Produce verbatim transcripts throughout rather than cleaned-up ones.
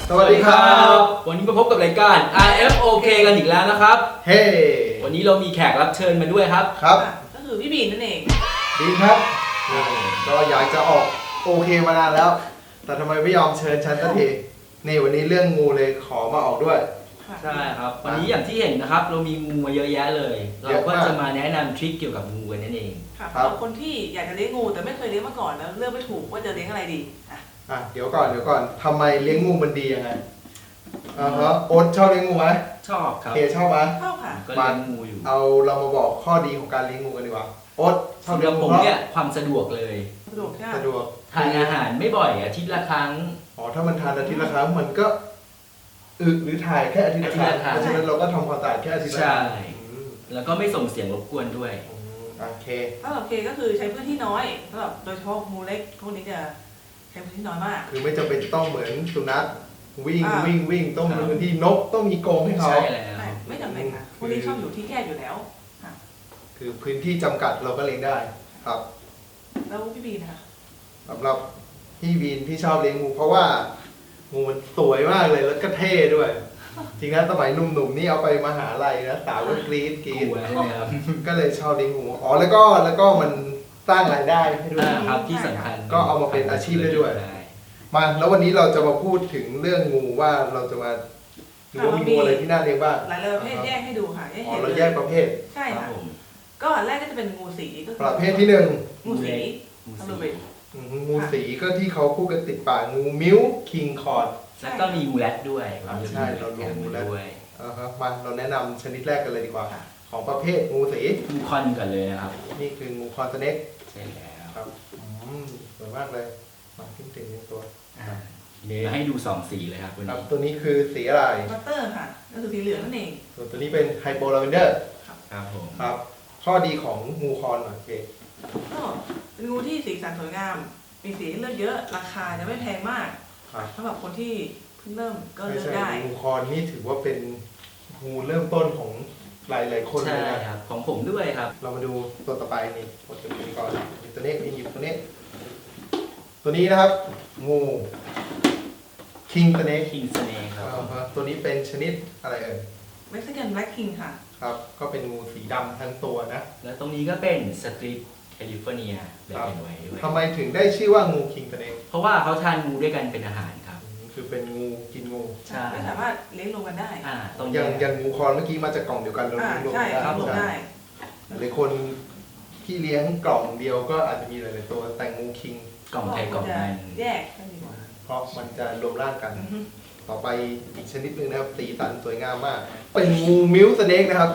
สวัสดีครับวันนี้มาพบกับรายการ อาร์ เอฟ โอ เค กันอีกแล้วนะครับเฮ้วันนี้เรามีแขกรับเชิญมาด้วยครับครับก็คือพี่บีนนั่นเองดีครับก็อยากจะออกโอเคมานานแล้ว แต่ทำไมไม่ยอมเชิญฉันสักทีนี่วันนี้เรื่องงูเลยขอมาออกด้วยใช่ครับ วันนี้อย่างที่เห็นนะครับ เรามีงูมาเยอะแยะเลย เราก็จะมาแนะนำทริคเกี่ยวกับงูกันนั่นเองค่ะสำหรับคนที่อยากจะเลี้ยงงูแต่ไม่เคยเลี้ยงมาก่อนแล้วเลือกไม่ถูกว่าจะเลี้ยงอะไรดีอ่ะอ่ะเดี๋ยวก่อนเดี๋ยวก่อนทำไมเลี้ยงงูมันดียังไงอ่าฮะโอ๊ตชอบเลี้ยงงูไหมชอบครับเคชอบไหมเข้าค่ะก็เลี้ยงงูอยู่เอาเรามาบอกข้อดีของการเลี้ยงงูกันดีกว่าโอ๊ตชอบสำหเลี้รัยบงผงูมเพราะเนี่ยความสะดวกเลยสะดวกใช่ไหมสะดวกทานอาหารไม่บ่อยอาทิตย์ละครั้งอ๋อถ้ามันทานอาทิตย์ละครั้งมันก็อึหรือถ่ายแค่อาทิตย์ละครั้งอาทิตย์ละครั้งเพราะฉะนั้นเราก็ทำความสะอาดแค่อาทิตย์ละคใช่รั้งอืมแล้วก็ไม่ส่งเสียงรบกวนด้วยอืมโอเคสำหรับเคก็คือใช้พื้นที่น้อยสำหรับโดยเฉพาะงูเล็กพวกนี้จะใช้พื้นที่น้อยมากคือไม่จำเป็นต้องเหมือนสุนัขวิ่งอ่าวิ่งวิ่งต้องมีพื้นที่นกต้องมีกรงให้เขาใช่แล้วไม่ไม่จำเป็นค่ะพวกนี้ชอบอยู่ที่แคบอยู่แล้วค่ะคือพื้นที่จำกัดเราก็เลี้ยงได้ครับแล้วพี่บีนนะคะสำหรับพี่วีนพี่ชอบเลี้ยงงูเพราะว่างูมันสวยมากเลยแล้วก็เท่ด้วย จริงนะสมัยหนุ่มๆนี่เอาไปมหาลัยนะสาวก็กรี๊ดกรี๊กดลัวใช่ไหมครับก็เลยชอบเลี้ยงงูอ๋อแล้วก็แล้วก็มันสร้างรายได้ให้ด้วยอ่าครับที่สำคัญก็เอามาเป็นอาชีพได้ด้วย มาแล้ววันนี้เราจะมาพูดถึงเรื่องงูว่าเราจะมาดูว่ามีงูอะไรที่น่าเลี้ยงบ้างหลายประเภทแยกให้ดูค่ะแยกอ๋อเห็นเราแยกประเภทใช่ครับค่ะผมก็อันแรกก็จะเป็นงูสีก็คือประเภทที่หนึ่งงูสีงูทะสีลุไปอืมงูสีก็ที่เขาพูดกันติดปากงูมิ้วคิงคอร์ดแล้วก็มีงูแรดด้วยอ่าใช่เรารวมงูแรดด้วยอ่าครับมาเราแนะนำชนิดแรกกันเลยดีกว่า ของประเภทงูสีงูคอนก่อนเลยนะครับนี่คืองูคอนสเน็กใช่แล้วครับอืมสวยมากเลยมาขึ้นถึงในตัวอ่าเดี๋ยวให้ดูสองสีเลยครับวันครับนี้ตัวนี้คือสีอะไรบัตเตอร์ค่ะก็คือสีเหลืองนั่นเองส่วนตัวนี้เป็นไฮโปลาเวนเดอร์ครับผมครับ ข้อดีของงูคอนหน่อยโอเคก็เป็นงูที่สีสันสวยงาม มีสีให้เลือกเยอะ ราคาจะไม่แพงมากครับสำหรับคนที่เพิ่งเริ่มก็ไม่เลือกใช่ได้งูคอนนี่ถือว่าเป็นงูเริ่มต้นของหลายๆคนเลใช่ยนะครับของผมด้วยครับเรามาดูตัวต่อไปนี่กดตัวนี้ก่อนนี่ตัวนี้นี่หยิบตัวนี้ ตัวนี้นะครับ งูคิงสเน็กคิงสเนคครับผมตัวนี้เป็นชนิดอะไรเอ่ยเม็กซิกันแบล็กคิงค่ะครับ ก็เป็นงูสีดำทั้งตัวนะแล้วตรงนี้ก็เป็นสตรีทแคลิฟอร์เนียเบลนไว้ด้วยทำไมถึงได้ชื่อว่างูคิงสเน็กเพราะว่าเขาทานงูด้วยกันเป็นอาหารครับคือเป็นงูกินงูใช่ไม่สามารถเลี้ยงรวมกันได้อ่าตรงอนี้ย่างอย่างงูคอนเมื่อกี้มาจากกล่องเดียวกันเราอ่าเลี้ยงรวมใช่กันครับรวมใช่ได้หลายคนที่เลี้ยงกล่องเดียวก็อาจจะมีหลายๆตัวแต่งูคิงกล่องไทยกล่องมันแยกกันดีกว่าเพราะมันจะรวมร่างกันอือฮึต่อไปอีกชนิดหนึ่งนะครับสีสันสวยงามมาก เป็นงูมิวสเน็กนะครับ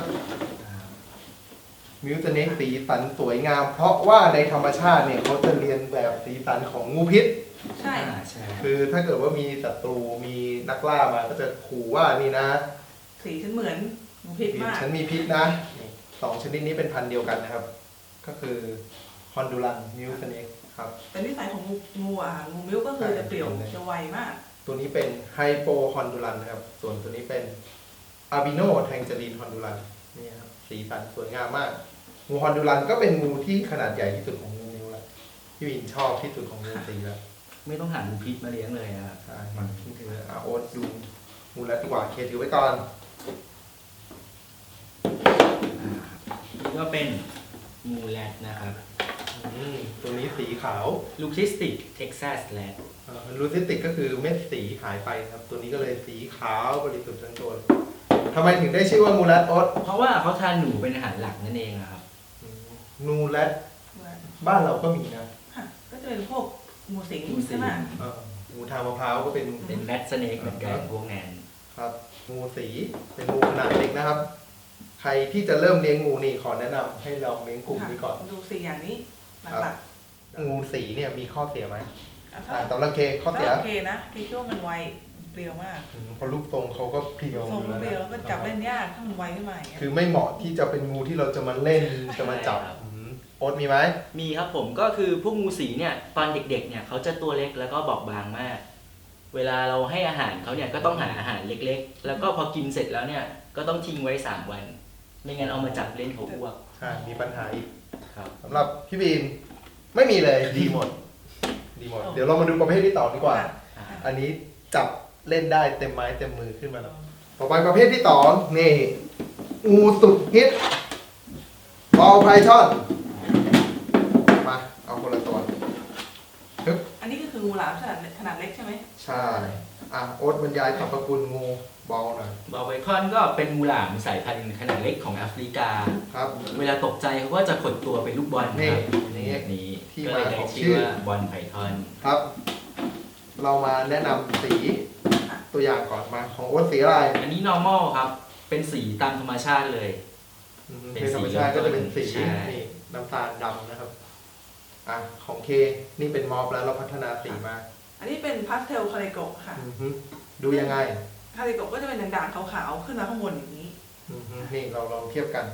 มิวสเน็กสีสันสวยงาม เพราะว่าในธรรมชาติเนี่ยเขาจะเรียนแบบสีสันของงูพิษใช่อ่าใช่คือถ้าเกิดว่ามีศัตรูมีนักล่ามาก็จะขู่ว่านี่นะสีฉันเหมือนงูพิษมากฉันมีพิษนะสองชนิดนี้เป็นพันธุ์เดียวกันนะครับ ก็คือฮอนดูรันมิวสเน็กครับแต่นิสัยของงูงูอ่ะงูมิ้วก็คือจะเปลี่ยวจะไวมากตัวนี้เป็นไฮโปฮอนดูรันนะครับ ส่วนตัวนี้เป็นอาบิโนแทงเจอรีนฮอนดูรันนี่ครับสีสันสวยงามมาก งูฮอนดูรันก็เป็นงูที่ขนาดใหญ่ที่สุดของงูนิ้วแล้วที่วินชอบที่สุดของงูสีแล้วไม่ต้องหางูพิษมาเลี้ยงเลยนะครับใช่มันทิ้งถืออาโอ๊ตดูงูแล้วดีกว่าเคถือไว้ก่อนอ่านี่ก็เป็นงูแรดนะครับอืมตัวนี้สีขาวลูคิสติกเท็กซัสแรดลูซิติกก็คือเม็ดสีหายไปครับ ตัวนี้ก็เลยสีขาวบริสุทธิ์ทั้งตัวทำไมถึงได้ชื่อว่ามูแรดโอ๊ตเพราะว่าเขาทานหนูเป็นอาหารหลักนั่นเองอะครับอืมนูแรดบ้านเราก็มีนะค่ะก็จะเป็นพวกงูสิงงูสิงใช่ไหมเอองูทางมะพร้าวก็เป็นเป็นแรดสเนกเหมือนกันพวกนั้นครับงูสีเป็นงูขนาดเล็กนะครับ ใครที่จะเริ่มเลี้ยงงูนี่ขอแนะนำให้ลองเลี้ยงกลุ่มนี้ก่อนดูสี่อย่างนี้หลักงูสีเนี่ยมีข้อเสียไหมๆอ่ะอ่าถ้าสำหรับเคข้อเสียถ้าโอเคนะพี่คิดว่ามันไวเปรียวมากอืมเพราะรูปทรงเขาก็เพรียวทรงอยู่เปรียวแล้วก็จับเล่นะนยากถ้ามันไวขึ้นมาอย่างเงี้ยคือไม่เหมาะที่จะเป็นงูที่เราจะมาเล่นจะมาจับอืมโอ๊ตมีไหมมีครับผมก็คือพวกงูสีเนี่ยตอนเด็กๆเนี่ยเขาจะตัวเล็กแล้วก็บอบบางมาก เวลาเราให้อาหารเขาเนี่ยก็ต้องหาอาหารเล็กๆ แล้วก็พอกินเสร็จแล้วเนี่ยก็ต้องทิ้งไว้สามวัน ไม่งั้นเอามาจับเล่นเขาอ้วกใช่มีปัญหาอีกครับสำหรับพี่บีนไม่มีเลยดีหมด ดีหมด เดี๋ยวเรามาดูประเภทที่ต่อดีกว่าอ่ะอ่าอันนี้จับเล่นได้เต็มไม้เต็มมือขึ้นมาแล้วต่อไปประเภทที่สองนี่งูสุดฮิตบอลไพทอนมาเอาคนละตัวฮึบอันนี้ก็คืองูหลามขนาดขนาดเล็กใช่ไหมใช่อ่ะโอ๊ตบรรยายสรรพคุณงูบอลหน่อยบอลไพทอนก็เป็นงูหลามสายพันธุ์ขนาดเล็กของแอฟริกาครับเวลาตกใจเขาก็จะขดตัวเป็นลูกบอลนี่ครับนี่แบบนี้ที่ก็เลยมาได้ของชื่ชื่ออว่าบอลไพทอนครับ เรามาแนะนำสีตัวอย่างก่อนมาของโอ๊ตสีอะไรอันนี้ normal ครับ เป็นสีตามธรรมชาติเลยอืมเป็นในธรรมสีชาติก็จะเป็นสีใช่นี่น้ำตาลดำนะครับอ่ะของเคนี่เป็นมอฟแล้วเราพัฒนาสีมาอันนี้เป็นพาสเทลคาริโกะค่ะอือฮึดูยังไงคาริโกะก็จะเป็นด่างๆขาวๆขึ้นมาข้างบนอย่างนี้อือฮึนี่เราลองเทียบกัน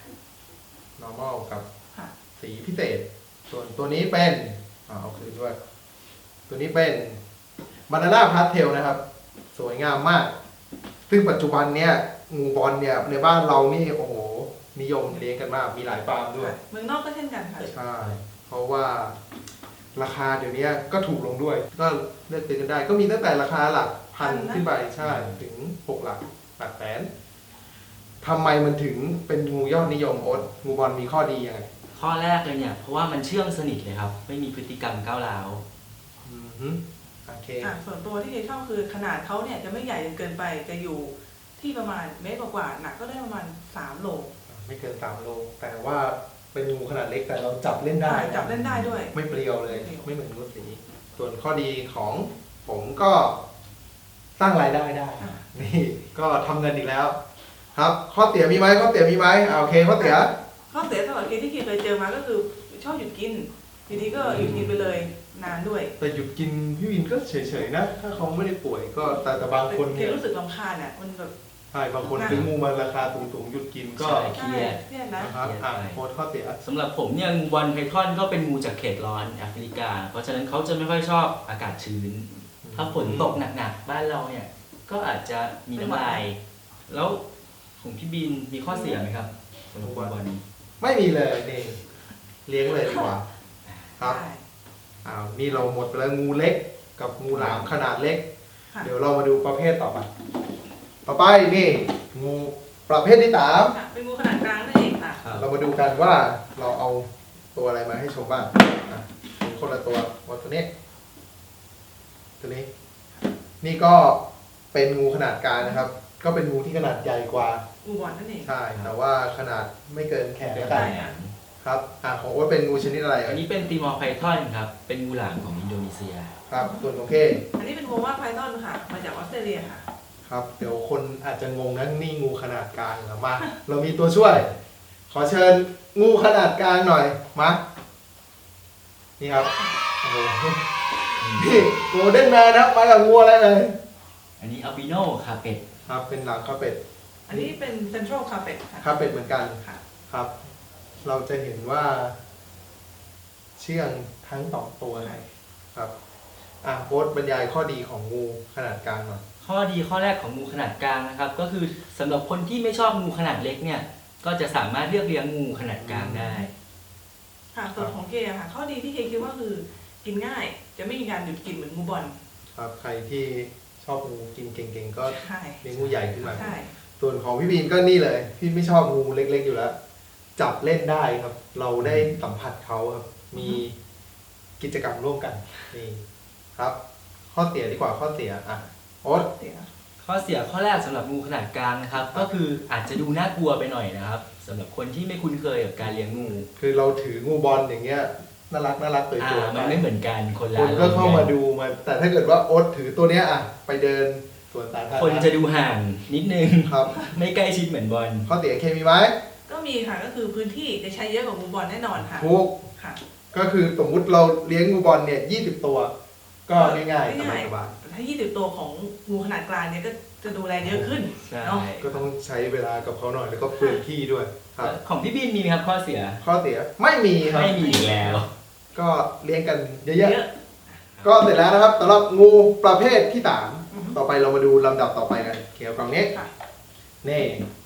normal กับค่ะสีพิเศษ ส่วนตัวนี้เป็นอ่าเอาคืนด้วย ตัวนี้เป็นบานาน่าพาสเทลนะครับ สวยงามมาก ซึ่งปัจจุบันเนี้ยงูบอลเนี่ยในบ้านเรานี่โอ้โหนิยมเลี้ยงกันมากมีหลายฟาร์มด้วยเมืองนอกก็เช่นกันค่ะใช่ เพราะว่าราคาเดี๋ยวนี้ก็ถูกลงด้วย ก็เลือกซื้อกันได้ ก็มีตั้งแต่ราคาหลักพันขึ้นไปใช่ถึงหกหลักหลักแสนทำไมมันถึงเป็นงูยอดนิยมโอ๊ตงูบอลมีข้อดียังไงข้อแรกเลยเนี่ย เพราะว่ามันเชื่องสนิทเลยครับ ไม่มีพฤติกรรมก้าวร้าวอือฮึโอเคอ่ะส่วนตัวที่เคชอบคือขนาดเขาเนี่ยจะไม่ใหญ่จนเกินไป จะอยู่ที่ประมาณเมตรกว่าๆหนักก็ได้ประมาณสามโลไม่เกินสามโล แต่ว่าเป็นงูขนาดเล็กแต่เราจับเล่นได้ได้จับเล่นได้ด้วยไม่เปรียวเลยไม่เปรี้ยวไม่เหมือนงูสี ส่วนข้อดีของผมก็สร้างรายได้ได้อ่ะนี่ก็ทำเงินอีกแล้ว ครับ ข้อเสียมีไหมข้อเสียมีไหมอ่าโอเคข้อเสียข้อเสียสำหรับเคที่เคเคยเจอมาก็คือชอบหยุดกินทีนี้ก็หยุดกินไปเลยนานด้วยแต่หยุดกินพี่วินก็เฉยๆนะ ถ้าเขาไม่ได้ป่วยก็แต่แต่บางคนเคเนี่ยรู้สึกรำคาญอ่ะมันแบบใช่บางคนซื้องูมาราคาสูงๆหยุดกินก็ใช่ เครียดเครียดนะนะครับอ่าโพสต์ข้อเสียสำหรับผมเนี่ยงูบอลไพทอนก็เป็นงูจากเขตร้อนแอฟริกา เพราะฉะนั้นเขาจะไม่ค่อยชอบอากาศชื้น ถ้าฝนตกหนักๆบ้านเราเนี่ย ก็อาจจะมีน้ำลาย แล้วของพี่บินมีข้อเสียไหมครับสำหรับงูบอลไม่มีเลยนี่เลี้ยงเลยดีกว่า ครับใช่อ้าวนี่เราหมดไปแล้วงูเล็กกับงูหลามขนาดเล็กค่ะเดี๋ยวเรามาดูประเภทต่อไป ต่อไปนี่งูประเภทที่สามค่ะเป็นงูขนาดกลางนั่นเองค่ะครับเรามาดูกันว่าเราเอาตัวอะไรมาให้ชมบ้างอ่ะมีคนละตัวว่าตัวนี้ ตัวนี้ นี่ก็เป็นงูขนาดกลางนะครับ ก็เป็นงูที่ขนาดใหญ่กว่างูบอลนั่นเองใช่ แต่ว่าขนาดไม่เกินแขนเป็นกัไงนครับอ่ะของโอ๊ตเป็นงูชนิดอะไรอัอ่ะนนี้เป็นตีมอร์ไพทอนครับ เป็นงูหลามของอินโดนีเซียครับ ส่วนของเคอันนี้เป็นโมว่าไพทอนค่ะ มาจากออสเตรเลียค่ะครับ เดี๋ยวคนอาจจะงงนะนี่งูขนาดกลางเหรอมา เรามีตัวช่วย ขอเชิญงูขนาดกลางหน่อยมานี่ครับโอ้โหนี่โกลเด้นแมนครับมากับงูอะไรเลยอันนี้อัลบิโนคาเป็ดครับเป็นหลังคาเป็ดอันนี้เป็นเซ็นทรัลคาเ e ตค่ะคาเป็ดเหมือนกันค่ะครับ เราจะเห็นว่า เชื่องทั้งสองตัวเลยครับ อ่ะโพสต์บรรยายข้อดีของงูขนาดกลางหน่อยข้อดีข้อแรกของงูขนาดกลางนะครับ ก็คือสำหรับคนที่ไม่ชอบงูขนาดเล็กเนี่ย ก็จะสามารถเลือกเลี้ยงงูขนาดกลางได้ค่ะ ส่วนของเคอะค่ะ ข้อดีที่เคคิดว่าคือกินง่าย จะไม่มีการหยุดกินเหมือนงูบอลครับ ใครที่ชอบงูกินเก่งๆก็ใช่เลี้ยงงูใหญ่ขึ้นมาใช่ส่วนของพี่บีนก็นี่เลย พี่ไม่ชอบงูเล็กๆอยู่แล้ว จับเล่นได้ครับ เราได้สัมผัสเขาครับ มีกิจกรรมร่วมกันนี่ครับ ข้อเสียดีกว่าข้อเสียอ่ะโอ๊ตเสียข้อเสียข้อแรกสำหรับงูขนาดกลางนะครับ ก็คืออาจจะดูน่ากลัวไปหน่อยนะครับสำหรับคนที่ไม่คุ้นเคยกับการเลี้ยงงูคือเราถืองูบอลอย่างเงี้ยน่ารักน่ารักสวยอ่าๆมันไม่เหมือนกันคนละคนก็เข้ามาดูมาแต่ถ้าเกิดว่าโอ๊ตถือตัวเนี้ยอ่ะไปเดินสวนสาธารณะคนจะดูห่างนิดนึงครับไม่ใกล้ชิดเหมือนบอลข้อเสียเคมีไหมก็มีค่ะ ก็คือพื้นที่จะใช้เยอะกว่างูบอลแน่นอนค่ะทุกค่ะก็คือสมมุติเราเลี้ยงงูบอลเนี่ยยี่สิบตัว ก็ง่ายๆสง่ายบายแต่ถ้ายี่สิบตัวของงูขนาดกลางเนี่ยก็จะดูแลเยอะขึ้นใช่เนาะๆก็ต้องใช้เวลากับเขาหน่อยแล้วก็พื้นที่ด้วยครับของพี่บินมีไหมครับข้อเสียข้อเสียไม่มีครับไม่มีอีกแล้วก็เลี้ยงกันเยอะเยอะๆก็เสร็จแล้วนะครับสำหรับงูประเภทที่สามอือฮึต่อไปเรามาดูลำดับต่อไปกันเกี่ยวกับนี้ค่ะนี่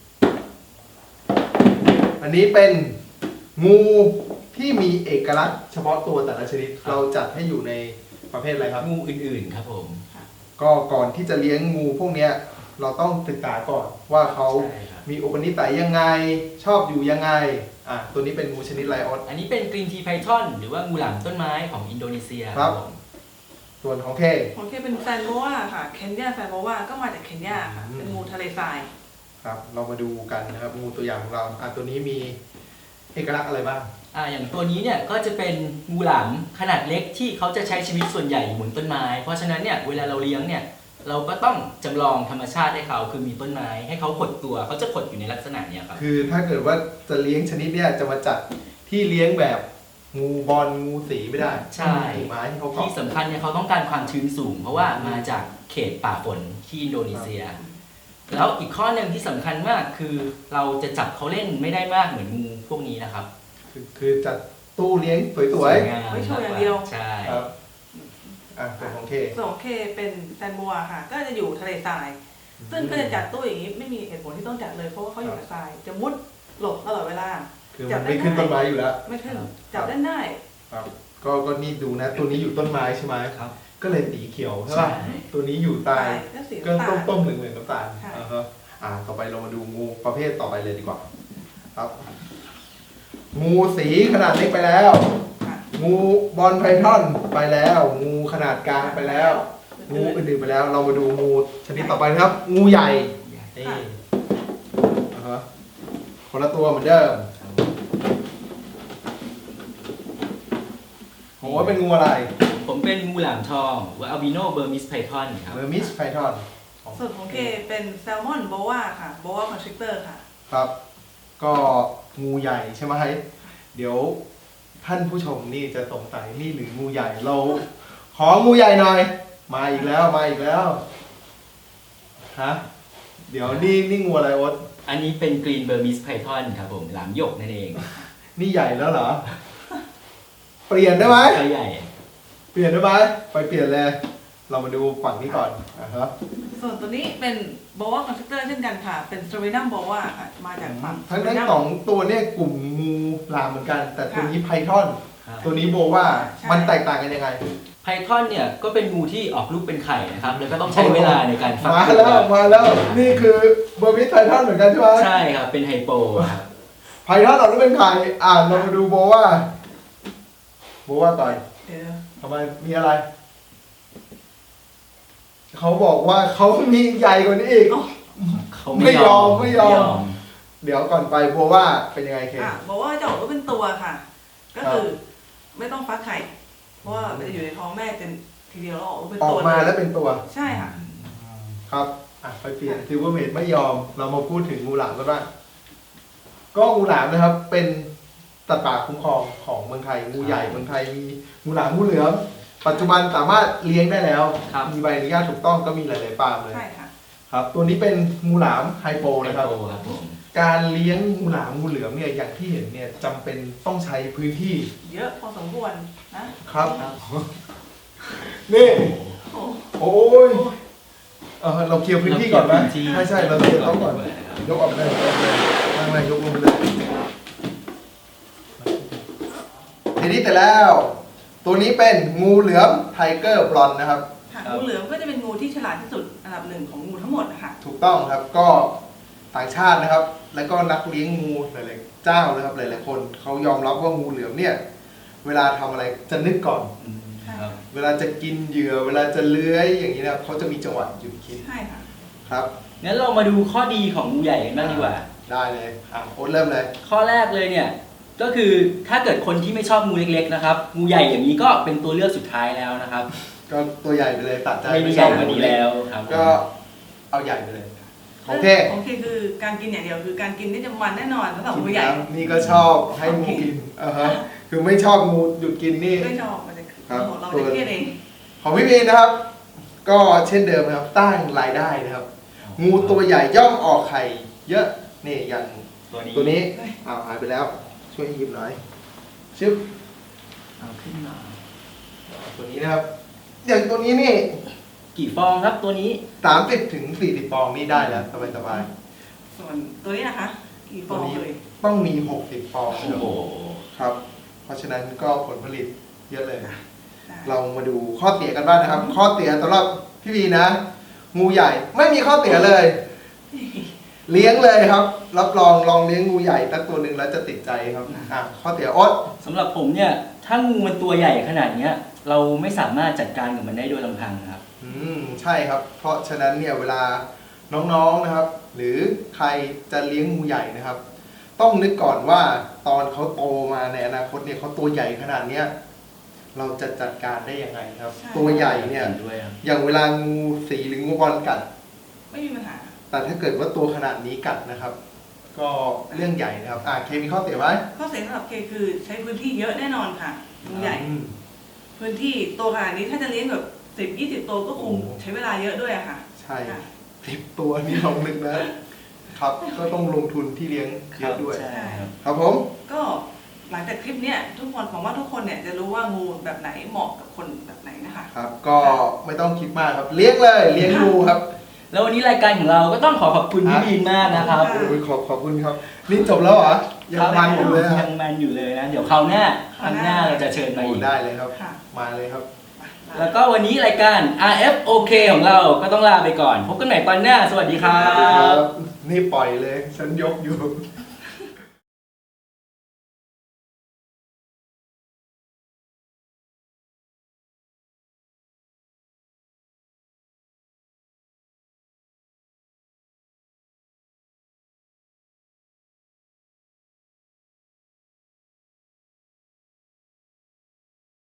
อันนี้เป็นงูที่มีเอกลักษณ์เฉพาะตัวแต่ละชนิดครับเราจัดให้อยู่ในประเภทอะไรครับงูอื่นๆครับผมอก็ก่อนที่จะเลี้ยงงูพวกเนี้ยเราต้องศึกษาก่อนว่าเขาใช่ครับมีอุปนิสัยยังไงชอบอยู่ยังไงอ่ะตัวนี้เป็นงูชนิดไลออนอันนี้เป็นกรีนทีไพทอนหรือว่างูหลามต้นไม้ของอินโดนีเซียครับผมส่วนของเคของเคเป็นแซนโบวาค่ะเคนยาแซนโบวาก็มาจากเคนยาค่ะอืมเป็นงูทะเลทรายครับเรามาดูกันนะครับงูตัวอย่างของเราอ่ะตัวนี้มีเอกลักษณ์อะไรบ้างอ่าอย่างตัวนี้เนี่ยก็จะเป็นงูหลามขนาดเล็กที่เขาจะใช้ชีวิตส่วนใหญ่บนต้นไม้ เพราะฉะนั้นเนี่ยเวลาเราเลี้ยงเนี่ยเราก็ต้องจำลองธรรมชาติให้เขาคือมีต้นไม้ให้เขาขดตัวเขาจะขดอยู่ในลักษณะเนี้ยครับคือถ้าเกิดว่าจะเลี้ยงชนิดเนี้ยจะมาจัดที่เลี้ยงแบบงูบอลงูสีไม่ได้ใช่ถูกไม้ที่เขาเกาะที่สำคัญเนี่ยเขาต้องการความชื้นสูง เพราะว่ามาจากเขตป่าฝนที่อินโดนีเซีย แล้วอีกข้อหนึ่งที่สำคัญมากคือเราจะจับเขาเล่นไม่ได้มากเหมือนงูพวกนี้นะครับคือคือจัดตู้เลี้ยงสวยงามไว้โชว์อย่างเดียวใช่ๆครับอ่ะส่วนของเคส่วนของเคเป็นแซนโบวาค่ะ ก็จะอยู่ทะเลทราย ซึ่งก็จะจัดตู้อย่างนี้ไม่มีเหตุผลที่ต้องจัดเลยเพราะว่าเขาอยู่กับทราย จะมุดหลบตลอดเวลาคือมันไม่ขึ้นต้นไม้อยู่แล้วไม่ขึ้นจับเล่นได้ครับก็ก็นี่ดูนะ ตัวนี้อยู่ต้นไม้ใช่ไหมครับก็เลยสีเขียวใช่ใช่ป่ะตัวนี้อยู่ใต้ก็สีก็น้ำต้ตาม ลต้มๆเหลืองๆน้ำตาลค่ะอ่าฮะอ่าต่อไปเรามาดูงูประเภทต่อไปเลยดีกว่า ครับ งูสีขนาดเล็กไปแล้วค่ะงูบอลไพทอนไปแล้ว งูขนาดกลางไปแล้ว งูอื่นๆไปแล้ว เรามาดูงูชนิดต่อไปนะครับ งูใหญ่นี่อ่าฮะคนละตัวเหมือนเดิมโหเป็นงูอะไรผมเป็นงูหลามทองหรือว่าอัลบิโนเบอร์มิสไพทอนครับเบอร์มิสไพทอนส่วนของเคเป็นแซลมอนโบวาค่ะโบวาคอนสตริกเตอร์ค่ะครับ ก็งูใหญ่ใช่ไหมเดี๋ยวท่านผู้ชมนี่จะสงสัยนี่หรืองูใหญ่เรา ของูใหญ่หน่อย มาอีกแล้วมาอีกแล้วฮะเดี๋ยวนี่นี่งูอะไรโอ๊ตอันนี้เป็นกรีนเบอร์มิสไพทอนครับผมหลามหยกนั่นเองนี่ใหญ่แล้วเหรอ เปลี่ยนได้ไหมตัวใหญ่เปลี่ยนได้ไหมไปเปลี่ยนเลย เรามาดูฝั่งนี้ก่อนอ่ะครับส่วนตัวนี้เป็นโบวาคอนสตริกเตอร์เช่นกันค่ะ เป็นสตร a นัมโบวาค่ะ มาจากฝั่งทั้งทั้งสองตัวเนี่ยกลุ่มงูลามเหมือนกัน แต่ตัวนี้ไพทอนครับตัวนี้โบว่ามันแตกต่างกันยังไงไพทอนเนี่ยก็เป็นงูที่ออกลูกเป็นไข่นะครับ แล้วก็ต้องใช้เวลาในการฟักมาตัวแล้วมาแล้วนี่คือเบอร์มิสไพทอนเหมือนกันใช่ไหมใช่ครับ เป็นไฮโปครับไพทอนเราต้องเป็นใครอ่านเรามาดูโบว่าโบว่าก่อนเดี๋ยวทำไมมีอะไร เขาบอกว่าเขามีใหญ่กว่านี้อีกเขาไม่ยอมไม่ยอม เดี๋ยวก่อนไปโบว่าเป็นยังไงเคอ่ะโบวาจะออกลูกเป็นตัวค่ะ ก็คือไม่ต้องฟักไข่ เพราะว่ามันจะอยู่ในท้องแม่จนทีเดียวแล้วออกลูกเป็นออตักวมาเลยแล้วเป็นตัวใช่ค่ะครับอ่ะไปเปลี่ยนซิลเวอร์เมดไม่ยอม เรามาพูดถึงงูหลามกันบ้างก็งูหลามนะครับ เป็นสัตว์ป่าคุ้มครองของเมืองไทยงูใหญ่เมืองไทยมีงูหลามงูเหลือมปัจจุบันสามารถเลี้ยงได้แล้วครับมีใบอนุญาตถูกต้องก็มีหลายๆฟาร์มเลยใช่ค่ะครับ ตัวนี้เป็นงูหลามไฮโปไฮนะครับโปครับผมการเลี้ยงงูหลามงูเหลือมเนี่ยอย่างที่เห็นเนี่ยจำเป็นต้องใช้พื้นที่เยอะพอสมควรนะครับครับนี่โอ้โอ้ยเออเราเคลียร์พื้นที่ก่อนไหมใช่ใช่เราเคลียร์โต๊ะก่อน ยกออกเลยยกออกเลยนั่งเลยยกลงไปเลยทีนี้แต่แล้ว ตัวนี้เป็นงูเหลือมไทเกอร์บลอนนะครับค่ะงูเหลือมก็จะเป็นงูที่ฉลาดที่สุดอันดับหนึ่งของงูทั้งหมดนะคะถูกต้องครับก็ต่างชาตินะครับ แล้วก็นักเลี้ยงงูหลายๆเจ้านะครับหลายๆคนเขายอมรับว่างูเหลือมเนี่ย เวลาทำอะไรจะนึกก่อนอืมครับเวลาจะกินเหยื่อ เวลาจะเลื้อยอย่างนี้นะครับเขาจะมีจังหวะหยุดคิดใช่ค่ะครับงั้นเรามาดูข้อดีของงูใหญ่กันบ้างดีกว่าได้เลยอ่ะโอ๊ตเริ่มเลยข้อแรกเลยเนี่ยก็คือถ้าเกิดคนที่ไม่ชอบงูเล็กๆนะครับงูใหญ่อย่างนี้ก็เป็นตัวเลือกสุดท้ายแล้วนะครับก็ตัวใหญ่ไปเลยตัดใจไม่มีใหญ่กว่านี้แล้วครับก็เอาใหญ่ไปเลยโอเคโอเคคือการกินอย่างเดียวคือการกินนี่จะมันแน่นอนสำหรับงูใหญ่นี่ก็ชอบให้งูกินอ่าฮะคือไม่ชอบงูหยุดกินนี่ไม่ชอบมันจะครับเราจะเครียดเองของพี่มีนนะครับ ก็เช่นเดิมนะครับตั้งรายได้นะครับ งูตัวใหญ่ย่อมออกไข่เยอะนี่อย่างตัวนี้ตัวนี้อ้าวหายไปแล้ว ช่วยหยิบหน่อยชึบเอาขึ้นมาตัวนี้นะครับ อย่างตัวนี้นี่กี่ฟองครับตัวนี้สามสิบถึงสี่สิบฟองนี่ได้แล้วสบายสบายส่วนตัวนี้นะคะ กี่ฟองเลยๆต้องมีหกสิบฟองโอ้โหครับ เพราะฉะนั้นก็ผลผลิตเยอะเลยได้เรามาดูข้อเสียกันบ้างนะครับ ข้อเสียสำหรับพี่บีนะ งูใหญ่ไม่มีข้อเสียเลย เลี้ยงเลยครับ รับรองลองเลี้ยงงูใหญ่ตั้งตัวหนึ่งแล้วจะติดใจครับอ่ะข้อเสียอ๊ดสำหรับผมเนี่ยถ้างูมันตัวใหญ่ขนาดเนี้ยเราไม่สามารถจัดการกับมันได้โดยลำพังครับอืมใช่ครับ เพราะฉะนั้นเนี่ยเวลาน้องๆนะครับ หรือใครจะเลี้ยงงูใหญ่นะครับ ต้องนึกก่อนว่าตอนเขาโตมาในอนาคตเนี่ยเขาตัวใหญ่ขนาดเนี้ยเราจะจัดการได้ยังไงครับใช่ตัวใหญ่เนี่ยห็ด้วยครับอย่างเวลางูสีหรืองูบอลกัดไม่มีปัญหาแต่ถ้าเกิดว่าตัวขนาดนี้กัดนะครับ ก็เรื่องใหญ่นะครับอ่าเคมีข้อเสียไหมข้อเสียสำหรับเคคือใช้พื้นที่เยอะแน่นอนค่ะงูใหญ่อืมพื้นที่ตัวขนาดนี้ถ้าจะเลี้ยงแบบสิบยี่สิบตัวก็คงโอ้ใช้เวลาเยอะด้วยอะค่ะใช่ค่ะสิบตัวนี่ลองนึกนะครับ ก็ต้องลงทุนที่เลี้ยงเยอะด้วยใช่ครับครับผมก็หลังจากคลิปเนี้ยทุกคนผมว่าทุกคนเนี่ยจะรู้ว่างูแบบไหนเหมาะกับคนแบบไหนนะคะครับ ก็ไม่ต้องคิดมากครับ เลี้ยงเลยเลี้ยงงูครับแล้ววันนี้รายการของเราก็ต้องขอขอบคุณพี่บีนมากนะครับขอบคุณโอ้ยขอบขอบคุณครับ นี่จบแล้วเหรอ ยังมันอยู่เลยคยัรับงมันอยู่เลยนะ เดี๋ยวคราวหน้าครั้งหน้าเราจะเชิญมาโอ้อีกได้เลยครับค่ะมาเลยครับแล้วก็วันนี้รายการ อาร์ เอฟ โอ เค ของเราก็ต้องลาไปก่อน พบกันใหม่ตอนหน้า สวัสดีครัครับ บ นี่ปล่อยเลย ฉันยกอยู่